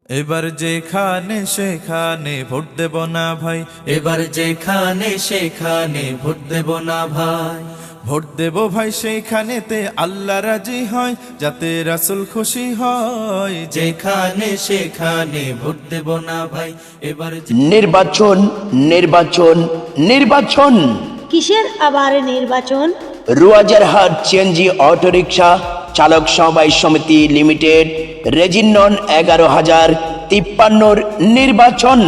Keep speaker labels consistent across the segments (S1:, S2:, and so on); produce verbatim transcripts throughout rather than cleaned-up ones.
S1: এবার যেখানে সেখানে ভোট দেব না ভাই,
S2: এবার যেখানে সেখানে ভোট দেব না ভাই।
S1: ভোট দেব ভাই সেইখানেতে আল্লাহ রাজি হয়, যাতে রাসূল খুশি হয়।
S2: যেখানে সেখানে ভোট দেব না ভাই। এবার যে-
S3: নির্বাচন নির্বাচন নির্বাচন
S4: কিসের আবার নির্বাচন?
S3: রুয়াজারহাট সিএনজি অটোরিকশা চালক সমবায় সমিতি লিমিটেড রেজিনন এগারো হাজার তিপ্পান্নর নির্বাচন।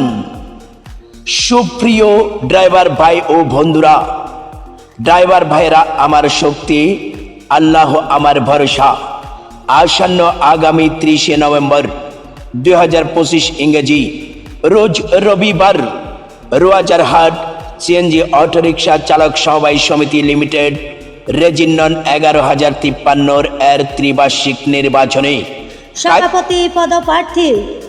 S3: সুপ্রিয় ড্রাইভার ভাই ও বন্ধুরা, ড্রাইভার ভাইরা আমার শক্তি, আল্লাহ আমার ভরসা। আসন্ন আগামী ত্রিশে নভেম্বর দুই হাজার পঁচিশ ইংরেজি রোজ রবিবার রুয়াজারহাট সিএনজি অটোরিকশা চালক সমবায় সমিতি লিমিটেড রেজিনন এগারো হাজার তিপ্পান্নর এর ত্রিবার্ষিক নির্বাচনে
S4: সভাপতি পদপ্রার্থী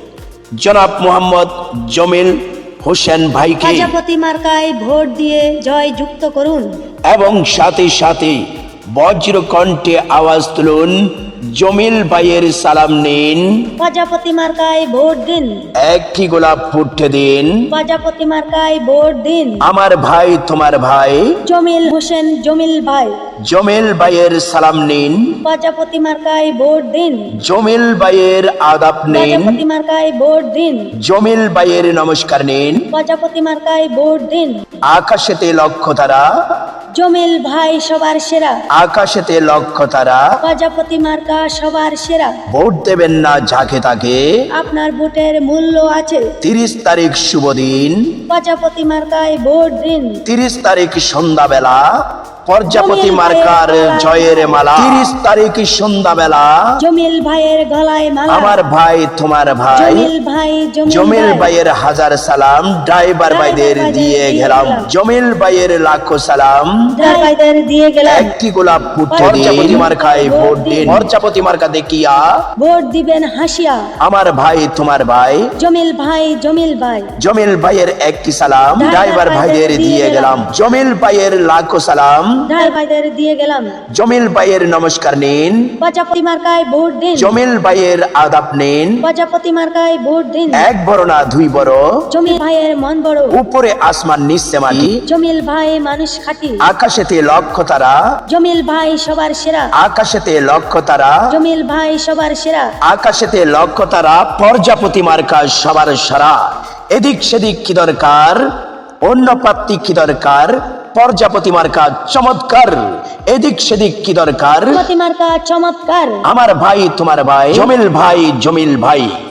S3: জনাব মোহাম্মদ জমিল হোসেন ভাইকে
S4: প্রজাপতি মার্কায় ভোট দিয়ে জয় যুক্ত করুন
S3: এবং সাথে সাথে বজ্র কণ্ঠে আওয়াজ তুলুন, জমিল ভাইয়ের সালাম নিন,
S4: প্রজাপতি মার্কায় ভোট দিন,
S3: একটি গোলাপ ফুটতে দিন।
S4: প্রজাপতি মার্কায় ভোট দিন।
S3: আমার ভাই তোমার ভাই
S4: জমিল হোসেন জমিল ভাই,
S3: জমিল ভাইয়ের সালাম নিন,
S4: প্রজাপতি মার্কায় ভোট দিন,
S3: জমিল ভাইয়ের আদাব নিন,
S4: প্রজাপতি মার্কায় ভোট দিন,
S3: জমিল ভাইয়ের নমস্কার নিন।
S4: প্রজাপতি মার্কায় ভোট দিন।
S3: আকাশেতে লক্ষ্য তারা,
S4: জমিল ভাই সবার সেরা,
S3: আকাশেতে লক্ষ্য তারা,
S4: প্রজাপতি মার্কা সবার সেরা।
S3: ভোট দেবেন না যাকে তাকে,
S4: আপনার ভোটের মূল্য আছে।
S3: তিরিশ তারিখ শুভ দিন,
S4: প্রজাপতি মার্কায় ভোট দিন।
S3: তিরিশ তারিখ সন্ধ্যাবেলা প্রজাপতি মার্কার জয়ের মালা। তিরিশ তারিখ সন্ধ্যাবেলা
S4: জমিল ভাইয়ের গলায় মালা।
S3: আমার ভাই তোমার ভাই
S4: জমিল ভাই
S3: জমিল ভাইয়ের হাজার সালাম ড্রাইভার ভাইদের দিয়ে গেলাম। জমিল ভাইয়ের লাখো সালাম,
S4: ড্রাইভারদের দিয়ে গেলাম।
S3: একটি গোলাপ ফুটে দিন, প্রজাপতি মার্কায় ভোট দিন। প্রজাপতি মার্কা দেখিয়া
S4: ভোট দিবেন হাসিয়া।
S3: আমার ভাই তোমার ভাই
S4: জমিল ভাই জমিল ভাই
S3: জমিল ভাইয়ের একটি সালাম ড্রাইভার ভাইদের দিয়ে গেলাম। জমিল ভাইয়ের লাখো সালাম,
S4: ড্রাইভারদের দিয়ে গেলাম।
S3: জমিল ভাইয়ের নমস্কার নিন,
S4: প্রজাপতি মার্কায় ভোট দিন।
S3: জমিল ভাইয়ের আদাব নিন।
S4: প্রজাপতি মার্কায় ভোট দিন।
S3: এক বড় না দুই বড়,
S4: জমিল ভাইয়ের মন বড়।
S3: উপরে আসমান নিচে মাটি,
S4: জমিল ভাই মানুষ খাঁটি।
S3: আকাশেতে লক্ষ্য তারা,
S4: জমিল ভাই সবার সেরা।
S3: আকাশেতে লক্ষ্য তারা,
S4: জমিল ভাই সবার সেরা।
S3: আকাশেতে লক্ষ্য তারা, প্রজাপতি মার্কা সবার সারা। এদিক সেদিক কি দরকার, অন্য প্রাপ্তি কি দরকার, প্রজাপতি মার্কা চমৎকার। এদিক সেদিক কি দরকার,
S4: প্রজাপতি মার্কা চমৎকার।
S3: আমার ভাই তোমার ভাই জমিল ভাই জমিল ভাই।